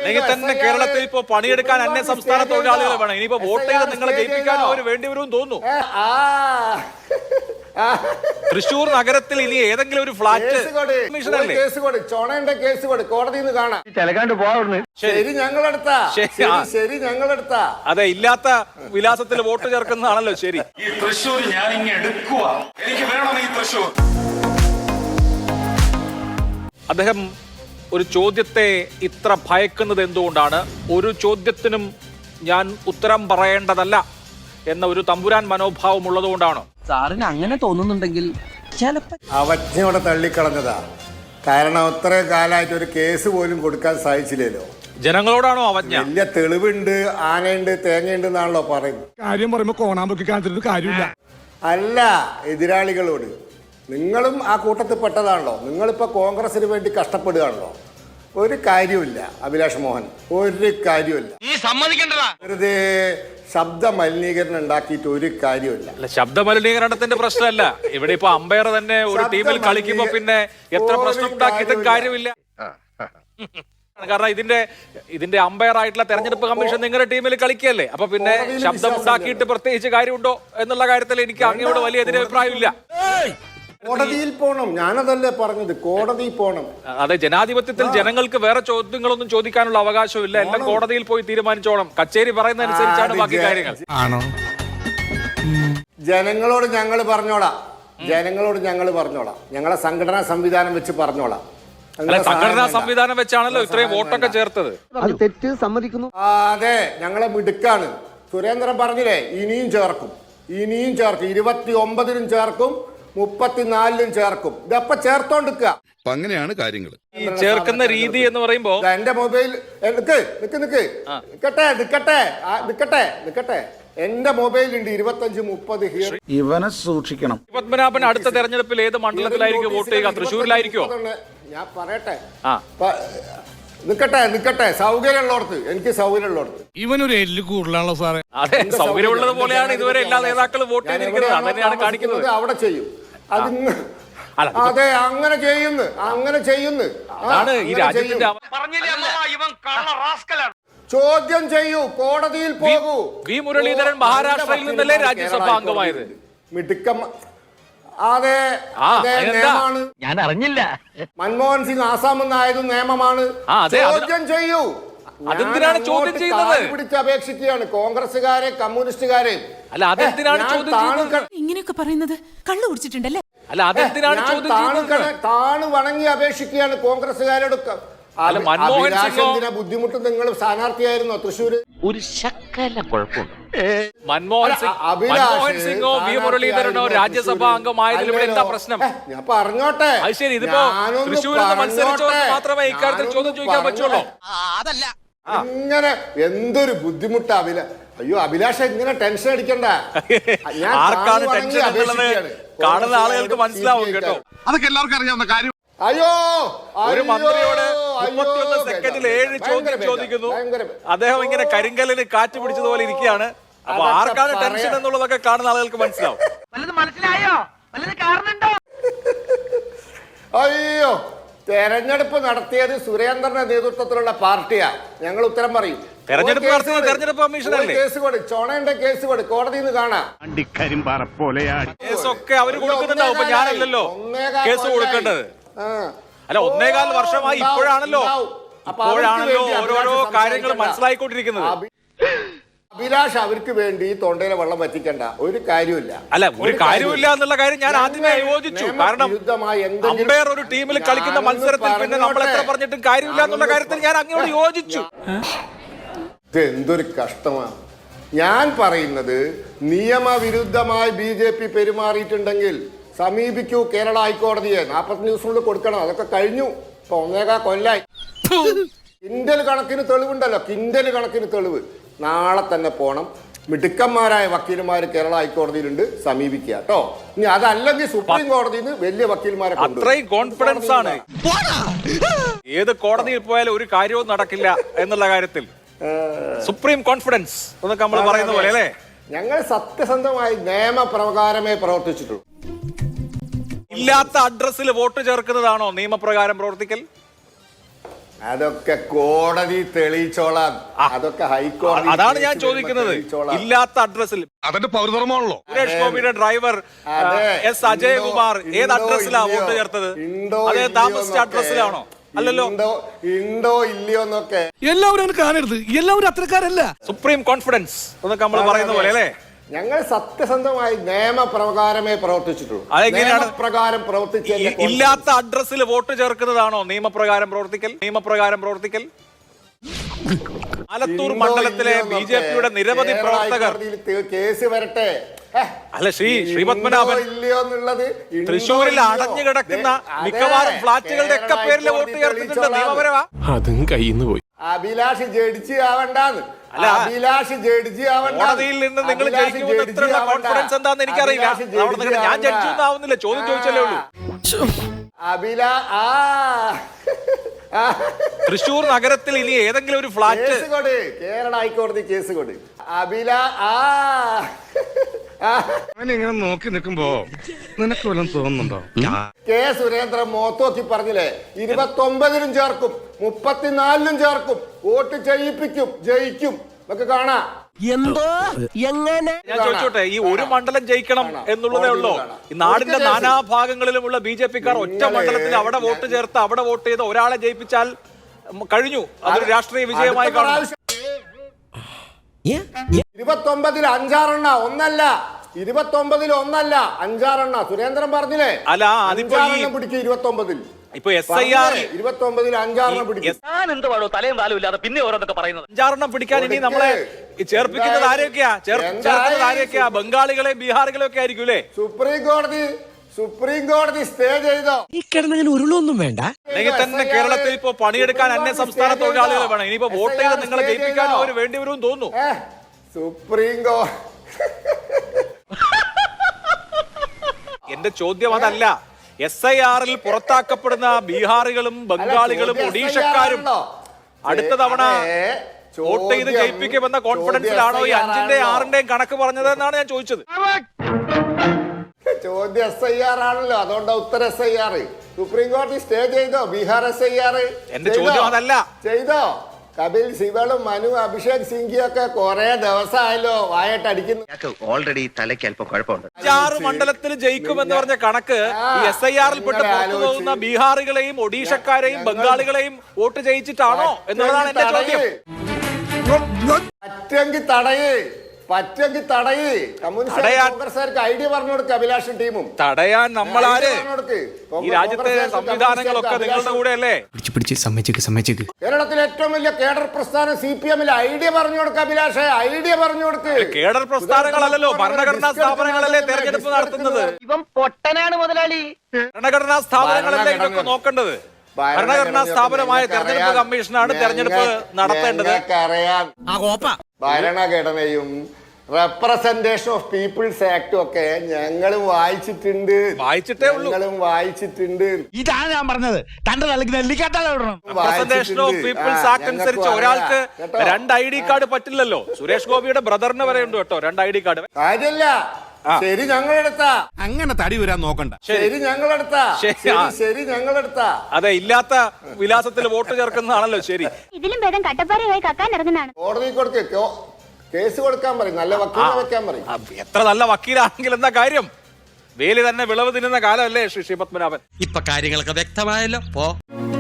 തന്നെ കേരളത്തിൽ ഇപ്പോ പണിയെടുക്കാൻ അന്യ സംസ്ഥാന തൊഴിലാളികളെ വേണം. ഇനിയിപ്പോ വോട്ട് ചെയ്ത് നിങ്ങളെ ജയിപ്പിക്കാൻ അവർ വേണ്ടി വരുമെന്ന് തോന്നുന്നു. തൃശൂർ നഗരത്തിൽ ഇനി ഏതെങ്കിലും ഒരു ഫ്ലാറ്റ് കോടതിയിൽ നിന്ന് കാണാം. ശരി ഞങ്ങളെടുത്താ ശരി ഞങ്ങളെടുത്താ അതെ, ഇല്ലാത്ത വിലാസത്തിൽ വോട്ട് ചേർക്കുന്നതാണല്ലോ ശരി. ഈ തൃശൂർ ഞാൻ ഇങ്ങനെ എടുക്കുക, എനിക്ക് വേണം ഈ തൃശൂർ. അദ്ദേഹം ഒരു ചോദ്യത്തെ ഇത്ര ഭയക്കുന്നത് എന്തുകൊണ്ടാണ്? ഒരു ചോദ്യത്തിനും ഞാൻ ഉത്തരം പറയേണ്ടതല്ല എന്ന ഒരു തമ്പുരാൻ മനോഭാവം ഉള്ളതുകൊണ്ടാണോ? സാറിന് അങ്ങനെ തോന്നുന്നുണ്ടെങ്കിൽ ചിലപ്പോൾ അവജ്ഞയോടെ തള്ളിക്കളഞ്ഞതാ. കാരണം അത്രയും കാലമായിട്ട് ഒരു കേസ് പോലും കൊടുക്കാൻ സാധിച്ചില്ലല്ലോ. ജനങ്ങളോടാണോ അവജ്ഞ? വലിയ തെളിവുണ്ട്, ആനയുണ്ട്, തേങ്ങയുണ്ട് എന്നാണല്ലോ പറയുന്നത്. കാര്യം പറയുമ്പോ കോണാമ്പൊക്കെ കാണിച്ചിട്ട് കാര്യമില്ല. അല്ല, എതിരാളികളോട്. നിങ്ങളും ആ കൂട്ടത്തിൽ പെട്ടതാണല്ലോ. നിങ്ങളിപ്പോൾ കോൺഗ്രസിന് വേണ്ടി കഷ്ടപ്പെടുകയാണല്ലോ. ഒരു കാര്യമില്ല അഭിലാഷ് മോഹൻ, ഒരു കാര്യമില്ല. വെറുതെ ശബ്ദ മലിനീകരണം ഉണ്ടാക്കിയിട്ട് ഒരു കാര്യമില്ല. അല്ല, ശബ്ദ മലിനീകരണത്തിന്റെ പ്രശ്നമല്ല ഇവിടെ. ഇപ്പൊ അമ്പയർ തന്നെ ഒരു ടീമിൽ കളിക്കുമ്പോ പിന്നെ എത്ര പ്രശ്നം ഉണ്ടാക്കിയിട്ടും കാര്യമില്ല. കാരണം ഇതിന്റെ അമ്പയർ ആയിട്ടുള്ള തെരഞ്ഞെടുപ്പ് കമ്മീഷൻ നിങ്ങളുടെ ടീമിൽ കളിക്കുകയല്ലേ. അപ്പൊ പിന്നെ ശബ്ദം ഉണ്ടാക്കിയിട്ട് പ്രത്യേകിച്ച് കാര്യമുണ്ടോ എന്നുള്ള കാര്യത്തിൽ എനിക്ക് അങ്ങയോട് വലിയ എതിരഭിപ്രായമില്ല. കോടതിയിൽ പോണം, ഞാനതല്ലേ പറഞ്ഞത്, കോടതിയിൽ പോണം. അതെ, ജനാധിപത്യത്തിൽ ജനങ്ങൾക്ക് വേറെ ചോദ്യങ്ങളൊന്നും ചോദിക്കാനുള്ള അവകാശമില്ല. എല്ലാം കോടതിയിൽ പോയി തീരുമാനിച്ചോണം. കച്ചേരി പറയുന്ന അനുസരിച്ചാണ് ബാക്കി കാര്യങ്ങൾ. ജനങ്ങളോട് ഞങ്ങൾ പറഞ്ഞോളാം, ജനങ്ങളോട് ഞങ്ങൾ പറഞ്ഞോളാം, ഞങ്ങളെ സംഘടനാ സംവിധാനം വെച്ച് പറഞ്ഞോളാം. സംഘടനാ സംവിധാനം വെച്ചാണല്ലോ ഇത്രയും വോട്ടൊക്കെ ചേർത്തത്. തെറ്റ് സമ്മതിക്കുന്നു. അതെ, ഞങ്ങളെ മിടുക്കാണ്. സുരേന്ദ്രൻ പറഞ്ഞില്ലേ, ഇനിയും ചേർക്കും, ഇനിയും ചേർക്കും, 29-നും ചേർക്കും, 34-നും ചേർക്കും. ഇതപ്പ ചേർത്തോണ്ടിരിക്കുക. അങ്ങനെയാണ് കാര്യങ്ങൾ. ഈ ചേർക്കുന്ന രീതി എന്ന് പറയുമ്പോ എന്റെ മൊബൈൽ നിക്കട്ടെ എന്റെ മൊബൈലുണ്ട് 25-30 ഇവനെ സൂക്ഷിക്കണം. പത്മനാഭൻ അടുത്ത തെരഞ്ഞെടുപ്പിൽ ഏത് മണ്ഡലത്തിലായിരിക്കും വോട്ട് ചെയ്യുക? തൃശ്ശൂരിലായിരിക്കോ? ഞാൻ പറയട്ടെ, നിക്കട്ടെ സൗകര്യമുള്ളടത്ത്, എനിക്ക് സൗകര്യമുള്ളടത്ത്. ഇവനൊരു എല്ല് കൂടുതലാണല്ലോ സാറേ. അതെ, സൗകര്യമുള്ളത് പോലെയാണ് ഇതുവരെ എല്ലാ നേതാക്കളും വോട്ട് ചെയ്തിരിക്കുന്നത്. അതന്നെയാണ് കാണിക്കുന്നത്. അവിടെ ചെയ്യും. അതെ, അങ്ങനെ ചെയ്യുന്നു. അതാണ് ഈ രാജ്യത്തിന്റെ ചോദ്യം ചെയ്യൂ, കോടതിയിൽ പോകൂ. വി മുരളീധരൻ മഹാരാഷ്ട്രയിൽ നിന്നല്ലേ രാജ്യസഭാ അംഗമായത്? മിടുക്കം. അതെ, നിയമമാണ്. ഞാൻ അറിഞ്ഞില്ല. മൻമോഹൻ സിംഗ് ആസാമിൽ നിന്നായതും നിയമമാണ്. ചോദ്യം ചെയ്യൂ. അതെന്തിനാണ് ചോദ്യം ചെയ്യുന്നത്? പിടിച്ച് അപേക്ഷിക്കുകയാണ് കോൺഗ്രസുകാരെ, കമ്മ്യൂണിസ്റ്റുകാരെ. അല്ല, അതെന്തിനാണ് ചോദ്യം ചെയ്യുന്നത്? ഇങ്ങനെയൊക്കെ പറയുന്നത് കള്ളു കുടിച്ചിട്ടുണ്ടല്ലേ? അല്ല, അതെന്തിനാണ് ചോദ്യം ചെയ്യുന്നത്? താണു വണങ്ങി അപേക്ഷിക്കുകയാണ് കോൺഗ്രസുകാരോട്. മൻമോഹൻ സിംഗ് ബുദ്ധിമുട്ട് നിങ്ങൾ സ്ഥാനാർത്ഥിയായിരുന്നോ തൃശ്ശൂര്? ഒരു ശക്കല കുഴപ്പമുണ്ട്. മൻമോഹൻ സിംഗോ വി മുരളീധരനോ രാജ്യസഭാ അംഗമായതിൽ ഇവിടെ എന്താ പ്രശ്നം? ഞാൻ പറഞ്ഞോട്ടെ. അത് ശരി, ഇതിപ്പോ തൃശ്ശൂരിൽ മത്സരിച്ചവർക്ക് മാത്രമേ ഇക്കാര്യത്തിൽ ചോദ്യം ചോദിക്കാൻ പറ്റുള്ളൂ. അതല്ല, ഇങ്ങനെ എന്തൊരു ബുദ്ധിമുട്ടാ അയ്യോ അഭിലാഷ, ഇങ്ങനെ ടെൻഷൻ അടിക്കണ്ട. ആർക്കാണ് ടെൻഷൻ എന്നുള്ളത് കാണുന്ന ആളുകൾക്ക് മനസ്സിലാവും കേട്ടോ. അതൊക്കെ എല്ലാവർക്കും അറിയാവുന്ന കാര്യം. അയ്യോ, ഒരു മന്ത്രിയോട് 31 സെക്കൻഡിൽ 7 ചോദ്യം ചോദിക്കുന്നു. അദ്ദേഹം ഇങ്ങനെ കരിങ്കല്ലിന് കാറ്റ് പിടിച്ചതുപോലെ ഇരിക്കുകയാണ്. അപ്പൊ ആർക്കാണ് ടെൻഷൻ എന്നുള്ളതൊക്കെ കാണുന്ന ആളുകൾക്ക് മനസ്സിലാവും. അയ്യോ, തെരഞ്ഞെടുപ്പ് നടത്തിയത് സുരേന്ദ്രന്റെ നേതൃത്വത്തിലുള്ള പാർട്ടിയാ. ഞങ്ങൾ ഉത്തരം പറയും. തെരഞ്ഞെടുപ്പ് കമ്മീഷനല്ലേ? ചോണയുടെ കേസ് കൊടു, കോടതിയിൽ നിന്ന് കാണാം. കേസൊക്കെ അവര് കൊടുക്കുന്നുണ്ടാവും. ഇപ്പൊ ഞാനല്ലല്ലോ കേസ് കൊടുക്കേണ്ടത്. അല്ല, 1.25 വർഷമായി ഇപ്പോഴാണല്ലോ ഓരോരോ കാര്യങ്ങൾ മനസ്സിലായിക്കൊണ്ടിരിക്കുന്നത്. അഭിലാഷ് അവർക്ക് വേണ്ടി തൊണ്ടയിലെ വെള്ളം വറ്റിക്കണ്ട, ഒരു കാര്യമില്ല. അല്ല, ഒരു കാര്യമില്ല എന്നുള്ള കാര്യം ഞാൻ ആദ്യമേ യോജിച്ചു. കാരണം അമ്പയർ ഒരു ടീമിൽ കളിക്കുന്ന മത്സരത്തിൽ പിന്നെ നമ്മൾ എത്ര പറഞ്ഞിട്ടും കാര്യമില്ല എന്നുള്ള കാര്യത്തിൽ ഞാൻ അങ്ങോട്ട് യോജിച്ചു. എന്തൊരു കഷ്ടമാണ്. ഞാൻ പറയുന്നത്, നിയമവിരുദ്ധമായി BJP പെരുമാറിയിട്ടുണ്ടെങ്കിൽ സമീപിക്കൂ കേരള ഹൈക്കോടതിയെ. 40 ദിവസത്തിനുള്ളിൽ കൊടുക്കണം. അതൊക്കെ കഴിഞ്ഞു. ഇപ്പൊ 1.25 കൊല്ലായി. കിൻഡൽ കണക്കിന് തെളിവുണ്ടല്ലോ, കിൻഡൽ കണക്കിന് തെളിവ്. നാളെ തന്നെ പോണം. മിടുക്കന്മാരായ വക്കീലന്മാർ കേരള ഹൈക്കോടതിയിലുണ്ട്, സമീപിക്കുക കേട്ടോ. ഇനി അതല്ലെങ്കിൽ സുപ്രീം കോടതിയിൽ നിന്ന് വലിയ വക്കീൽമാരെ. അത്രയും കോൺഫിഡൻസ് ആണ്. ഏത് കോടതിയിൽ പോയാലും ഒരു കാര്യവും നടക്കില്ല എന്നുള്ള കാര്യത്തിൽ സുപ്രീം കോൺഫിഡൻസ് എന്നൊക്കെ നമ്മൾ പറയുന്ന പോലെ അല്ലേ? ഞങ്ങൾ സത്യസന്ധമായി നിയമപ്രകാരമേ പ്രവർത്തിച്ചിട്ടുള്ളൂ. ഇല്ലാത്ത അഡ്രസ്സിൽ വോട്ട് ചേർക്കുന്നതാണോ നിയമപ്രകാരം പ്രവർത്തിക്കൽ? അതൊക്കെ കോടതി തെളിയിച്ചോളാം. അതൊക്കെ ഹൈക്കോടതി. അതാണ് ഞാൻ ചോദിക്കുന്നത്. ഇല്ലാത്ത അഡ്രസ്സിൽ അതെന്റെ പൗരധർമ്മമാണല്ലോ. സുരേഷ് ഗോപിയുടെ ഡ്രൈവർ എസ് അജയകുമാർ ഏത് അഡ്രസ്സിലാണ് വോട്ട് ചേർത്തത്? അതേ താമസിച്ച അഡ്രസ്സിലാണോ? അല്ലല്ലോ. ഉണ്ടോ ഇല്ലയോ എന്നൊക്കെ എല്ലാവരും കാണരുത്, എല്ലാവരും അത്രക്കാരല്ല. സുപ്രീം കോൺഫിഡൻസ് എന്നൊക്കെ നമ്മൾ പറയുന്ന പോലെ അല്ലേ? ഞങ്ങൾ സത്യസന്ധമായി നിയമപ്രകാരമേ പ്രവർത്തിച്ചിട്ടുള്ളൂ. അതെങ്ങനെയാണ് പ്രകാരം പ്രവർത്തിച്ച ഇല്ലാത്ത അഡ്രസ്സിൽ വോട്ട് ചേർക്കുന്നതാണോ നിയമപ്രകാരം പ്രവർത്തിക്കൽ? ആലത്തൂർ മണ്ഡലത്തിലെ ബിജെപിയുടെ നിരവധി പ്രവർത്തകർ കേസ് വരട്ടെ. അല്ല ശ്രീപത്മനാഭൻ ഇല്ലയോ എന്നുള്ളത് തൃശ്ശൂരിൽ അടഞ്ഞു കിടക്കുന്ന മിക്കവാറും ഫ്ളാറ്റുകളുടെ ഒക്കെ പേരിൽ വോട്ട് ചേർത്തിട്ടുണ്ട്. നിയമപരമാ? അതും കയ്യിന്ന് പോയി. അഭിലാഷ് ജഡ്ജി ആവണ്ടാന്ന്. അഭിലാഷ് ജഡ്ജി ആവണ്ട. കോടതിയിൽ നിന്ന് നിങ്ങൾ ജയിക്കുമെന്ന് എത്രയുള്ള കോൺഫിഡൻസ് എന്താന്ന് എനിക്കറിയില്ല. ഞാൻ ജഡ്ജി ഒന്നും ആവുന്നില്ല, ചോദ്യം ചോദിച്ചല്ലേ ഉള്ളൂ. തൃശ്ശൂർ നഗരത്തിൽ ഇനി ഏതെങ്കിലും ഒരു ഫ്ലാറ്റ് കേരള ഹൈക്കോടതി കേസ് കൊടു. ഇങ്ങനെ നോക്കി നിൽക്കുമ്പോ നിനക്ക് വല്ലതും തോന്നുന്നുണ്ടോ? കെ സുരേന്ദ്രൻ മോത്തോക്കി പറഞ്ഞില്ലേ, 29-ലും ചേർക്കും 34-ലും ചേർക്കും, വോട്ട് ചെയ്യിപ്പിക്കും, ജയിക്കും ഒക്കെ കാണാം. എന്തോ എങ്ങനെ ഞാൻ ചോദിച്ചോട്ടെ, ഈ ഒരു മണ്ഡലം ജയിക്കണം എന്നുള്ളതേ ഉള്ളൂ. ഈ നാടിന്റെ നാനാഭാഗങ്ങളിലുമുള്ള ബിജെപിക്കാർ ഒറ്റ മണ്ഡലത്തിൽ അവിടെ വോട്ട് ചേർത്ത് അവിടെ വോട്ട് ചെയ്ത് ഒരാളെ ജയിപ്പിച്ചാൽ കഴിഞ്ഞു. അതൊരു രാഷ്ട്രീയ വിജയമായി കാണും. 29-ൽ 5-6 ഒന്നല്ല, 29-ൽ ഒന്നല്ല 5-6 സുരേന്ദ്രൻ പറഞ്ഞില്ലേ. അല്ല, അതിപ്പോ പിടിക്കും 29-ൽ. ഇപ്പൊ SIR 29-ൽ 5-6 പിടിക്കും. തലയും താലും ഇല്ലാതെ പിന്നെ ഓരോന്നൊക്കെ പറയുന്നത് 5-6 പിടിക്കാൻ ഇനി നമ്മളെ ചേർപ്പിക്കുന്നത് ആരെയൊക്കെയാ? ബംഗാളികളെയും ബീഹാറികളെയും ഒക്കെ ആയിരിക്കും അല്ലേ? സുപ്രീം കോടതി സ്റ്റേ ചെയ്തോ? ഈ കിടന്നങ്ങനെ ഉരുളൊന്നും വേണ്ട. അല്ലെങ്കിൽ തന്നെ കേരളത്തിൽ ഇപ്പൊ പണിയെടുക്കാൻ അന്യ സംസ്ഥാന തൊഴിലാളികൾ വേണം. ഇനിയിപ്പോ വോട്ട് ചെയ്ത് നിങ്ങളെ ജയിപ്പിക്കാൻ അവർ വേണ്ടി വരും തോന്നുന്നു. സുപ്രീം കോടതി. എന്റെ ചോദ്യം അതല്ല. SIR-ൽ പുറത്താക്കപ്പെടുന്ന ബീഹാറികളും ബംഗാളികളും ഒഡീഷക്കാരും അടുത്ത തവണ വോട്ട് ചെയ്ത് ജയിപ്പിക്കുമെന്ന കോൺഫിഡൻസിലാണോ ഈ 5-ന്റെയും 6-ന്റെയും കണക്ക് പറഞ്ഞത് എന്നാണ് ഞാൻ ചോദിച്ചത്. ചോദ്യം SIR ആണല്ലോ, അതുകൊണ്ട് ഉത്തര SIR. സുപ്രീം കോടതി സ്റ്റേ ചെയ്തോ ബീഹാർ SIR? എന്റെ ചോദ്യം അതല്ല. ചെയ്തോ? കപിൽ സിബളും മനു അഭിഷേക് സിംഗിയൊക്കെ കുറെ ദിവസമായല്ലോ വായട്ടടിക്കുന്നു. ഓൾറെഡി തലയ്ക്ക് അല്പം കുഴപ്പമുണ്ട്. 6 മണ്ഡലത്തിൽ ജയിക്കുമെന്ന് പറഞ്ഞ കണക്ക് ഈ SIR-ൽ പെട്ട് പുറത്തു പോകുന്ന ബീഹാറികളെയും ഒഡീഷക്കാരെയും ബംഗാളികളെയും വോട്ട് ചെയ്യിച്ചിട്ടാണോ എന്നുള്ളതാണ് എന്റെ ചോദ്യം. പറ്റെങ്കിൽ തടയേ. കമ്മ്യൂണിസ്റ്റ് കോൺഗ്രസ്സുകാർക്ക് ഐഡിയ പറഞ്ഞു കൊടുക്കുക. അഭിലാഷും ടീമും തടയാൻ നമ്മളാര്? ഈ രാജ്യത്തെ സംവിധാനങ്ങളൊക്കെ നിങ്ങളുടെ കൂടെ അല്ലേ? സമ്മതിച്ചേക്ക്. കേരളത്തിലെ ഏറ്റവും വലിയ കേഡർ പ്രസ്ഥാനം CPM-ൽ ഐഡിയ പറഞ്ഞു കൊടുക്കുക. അഭിലാഷേ, ഐഡിയ പറഞ്ഞു കൊടുക്ക്. കേഡർ പ്രസ്ഥാനങ്ങളല്ലല്ലോ, ഭരണഘടനാ സ്ഥാപനങ്ങളല്ലേ തെരഞ്ഞെടുപ്പ് നടത്തുന്നത്. ഇവൻ പൊട്ടനാണ് മുതലാളി. ഭരണഘടനാ സ്ഥാപനങ്ങളല്ലേ ഇതൊക്കെ നോക്കേണ്ടത്. ഭരണഘടനാ സ്ഥാപനമായ തെരഞ്ഞെടുപ്പ് കമ്മീഷനാണ് തെരഞ്ഞെടുപ്പ് നടത്തേണ്ടത്. ഭരണഘടനയും റെപ്രസെന്റേഷൻ ഓഫ് പീപ്പിൾസ് ആക്ടും ഒക്കെ ഞങ്ങളും വായിച്ചിട്ടുണ്ട്. ഇതാണ് ഞാൻ പറഞ്ഞത്. തന്റെ റെപ്രസെന്റേഷൻ ഓഫ് പീപ്പിൾസ് ആക്ട് അനുസരിച്ച് ഒരാൾക്ക് 2 ID കാർഡ് പറ്റില്ലല്ലോ. സുരേഷ് ഗോപിയുടെ ബ്രദറിന് വരെ ഉണ്ട് കേട്ടോ 2 ID കാർഡ്. കാര്യമില്ല. ശരി, ഞങ്ങളെടുത്താ. അങ്ങനെ തടി വരാൻ നോക്കണ്ട. ശരി, ഞങ്ങളെടുത്താ. അതെ, ഇല്ലാത്ത വിലാസത്തിൽ വോട്ട് ചേർക്കുന്നതാണല്ലോ ശരി. ഇതിലും ഭേദം കട്ടപ്പാറയായി കക്കാൻ ഇറങ്ങുന്നതാണ്. കോടതി കൊടുക്ക്, കേസ് കൊടുക്കാൻ പറയും, നല്ല വക്കീലിനെ വെക്കാൻ പറയും. എത്ര നല്ല വക്കീലാണെങ്കിൽ എന്താ കാര്യം? വേലി തന്നെ വിളവ് തിന്നുന്ന കാലമല്ലേ ശ്രീ പത്മനാഭൻ. ഇപ്പൊ കാര്യങ്ങളൊക്കെ വ്യക്തമായല്ലോ.